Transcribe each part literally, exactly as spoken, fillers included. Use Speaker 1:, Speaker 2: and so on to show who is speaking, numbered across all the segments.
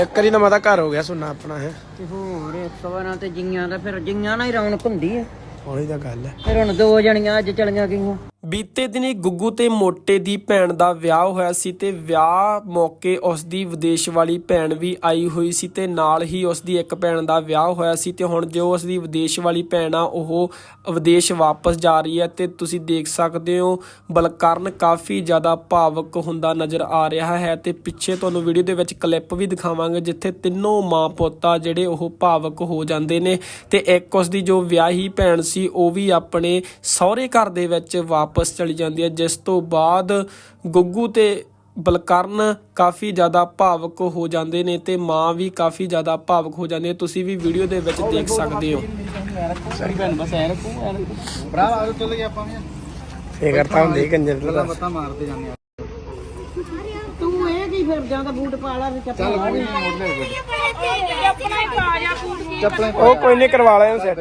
Speaker 1: ਇੱਕ ਵਾਰੀ ਤਾਂ ਮਾਤਾ ਘਰ ਹੋ ਗਿਆ ਸੁਣਨਾ ਆਪਣਾ ਹੈ
Speaker 2: ਤੇ ਹੋਰ ਸਵਰਾਂ ਤੇ ਜੀਆਂ ਦਾ ਫਿਰ ਜੀਆਂ ਨਾਲ ਹੀ ਰੌਣਕ ਹੁੰਦੀ ਹੈ।
Speaker 1: ਉਹੀ ਤਾਂ ਗੱਲ ਹੈ।
Speaker 2: ਫਿਰ ਹੁਣ ਦੋ ਜਣੀਆਂ ਅੱਜ ਚਲੀਆਂ ਗਈਆਂ।
Speaker 3: ਬੀਤੇ ਦਿਨੀ ਗੁੱਗੂ ਤੇ ਮੋਟੇ ਦੀ ਭੈਣ ਦਾ ਵਿਆਹ ਹੋਇਆ ਸੀ ਤੇ ਵਿਆਹ ਮੌਕੇ ਉਸ ਦੀ ਵਿਦੇਸ਼ ਵਾਲੀ ਭੈਣ ਵੀ ਆਈ ਹੋਈ ਸੀ ਤੇ ਨਾਲ ਹੀ ਉਸ ਦੀ ਇੱਕ ਭੈਣ ਦਾ ਵਿਆਹ ਹੋਇਆ ਸੀ ਤੇ ਹੁਣ ਜੋ ਉਸ ਦੀ ਵਿਦੇਸ਼ ਵਾਲੀ ਭੈਣ ਆ ਉਹ ਵਿਦੇਸ਼ ਵਾਪਸ ਜਾ ਰਹੀ ਹੈ ਤੇ ਤੁਸੀਂ ਦੇਖ ਸਕਦੇ ਹੋ ਬਲਕਰਨ ਕਾਫੀ ਜ਼ਿਆਦਾ ਭਾਵੁਕ ਹੁੰਦਾ ਨਜ਼ਰ ਆ ਰਿਹਾ ਹੈ ਤੇ ਪਿੱਛੇ ਤੁਹਾਨੂੰ ਵੀਡੀਓ ਦੇ ਵਿੱਚ ਕਲਿੱਪ ਵੀ ਦਿਖਾਵਾਂਗੇ ਜਿੱਥੇ ਤਿੰਨੋਂ ਮਾਂ ਪੁੱਤ ਆ ਜਿਹੜੇ ਉਹ ਭਾਵੁਕ ਹੋ ਜਾਂਦੇ ਨੇ ਤੇ ਇੱਕ ਉਸ ਦੀ ਜੋ ਵਿਆਹੀ ਭੈਣ ਸੀ ਉਹ ਵੀ ਆਪਣੇ ਸਹੁਰੇ ਘਰ ਦੇ ਵਿੱਚ ਵਾਪਸ ਚਲੀ ਜਾਂਦੀ ਹੈ, ਜਿਸ ਤੋਂ ਬਾਅਦ ਗੁੱਗੂ ਤੇ ਬਲਕਰਨ ਕਾਫੀ ਜ਼ਿਆਦਾ ਭਾਵੁਕ ਹੋ ਜਾਂਦੇ ਨੇ ਤੇ ਮਾਂ ਵੀ ਕਾਫੀ ਜ਼ਿਆਦਾ ਭਾਵੁਕ ਹੋ ਜਾਂਦੀ ਹੈ। ਤੁਸੀਂ ਵੀ ਵੀਡੀਓ ਦੇ ਵਿੱਚ ਦੇਖ ਸਕਦੇ ਹੋ।
Speaker 1: ਸਹੀ ਭੈਣ ਬਸ ਐ ਰੱਖੋ ਭਰਾ ਆ ਚੱਲ ਗਿਆ ਆਪਾਂ ਵੀ ਫੇਰ ਕਰਤਾ ਹੁੰਦੀ ਕੰਜਰ ਦਾ ਪਤਾ ਮਾਰਦੇ ਜਾਂਦੇ ਆ।
Speaker 2: ਤੂੰ ਇਹ ਕੀ ਫਿਰ ਜਾਂਦਾ ਬੂਟ ਪਾ ਲਾ ਵੀ ਚੱਪਲ
Speaker 1: ਚੱਲ ਕੋਈ ਨਹੀਂ ਮੋੜ ਲੈ
Speaker 4: ਆਪਣਾ ਹੀ ਪਾ ਜਾ ਬੂਟ ਕੀ
Speaker 1: ਚੱਪਲਾਂ ਉਹ ਕੋਈ ਨਹੀਂ ਕਰਵਾ ਲਿਆ ਸੈੱਟ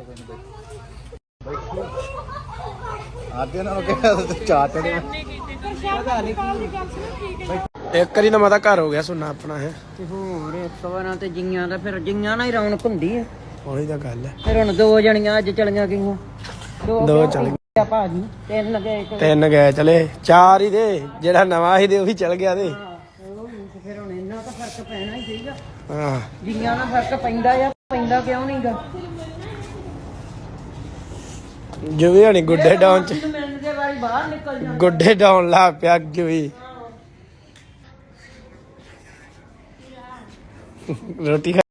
Speaker 1: ਆਦੇ ਨਾਲ ਕਿਹਾ ਚਾਹ ਚੜਿਆ ਇੱਕ ਵਾਰੀ ਤਾਂ ਮਾਤਾ ਘਰ ਹੋ ਗਿਆ ਸੁਣਨਾ ਆਪਣਾ ਹੈ
Speaker 2: ਤੇ ਹੋਰ ਸਵਰਾਂ ਤੇ ਜੀਆਂ ਦਾ ਫਿਰ ਜੀਆਂ ਨਾਲ ਹੀ ਰੌਣਕ ਹੁੰਦੀ ਹੈ।
Speaker 1: ਉਹੀ ਤਾਂ ਗੱਲ ਹੈ।
Speaker 2: ਫਿਰ ਹੁਣ ਦੋ ਜਣੀਆਂ ਅੱਜ ਚਲੀਆਂ ਗਈਆਂ।
Speaker 1: ਦੋ ਚਲ
Speaker 2: ਗਏ ਭਾਜੀ ਤਿੰਨ ਗਏ ਤੇ
Speaker 1: ਤਿੰਨ ਗਏ ਚਲੇ ਚਾਰ ਹੀ ਦੇ ਜਿਹੜਾ ਨਵਾਂ ਸੀ ਤੇ ਉਹ ਵੀ ਚਲ ਗਿਆ ਤੇ
Speaker 2: ਫਿਰ ਹੁਣ ਇੰਨਾ ਤਾਂ ਫਰਕ ਪੈਣਾ ਹੀ ਚਾਹੀਦਾ।
Speaker 1: ਹਾਂ
Speaker 2: ਜੀਆਂ ਨਾਲ ਫਰਕ ਪੈਂਦਾ ਆ ਪੈਂਦਾ ਕਿਉਂ ਨਹੀਂਗਾ।
Speaker 1: ਜੁਵੀ ਹਣੀ ਗੁੱਡੇ ਡਾਉਣ ਚ
Speaker 2: ਮਿਲਣ ਦੇ ਵਾਰੀ ਬਾਹਰ ਨਿਕਲ ਜਾਂਦਾ।
Speaker 1: ਗੁੱਡੇ ਡਾਉਣ ਲਾ ਪਿਆ ਜੁਵੀ ਰੋਟੀ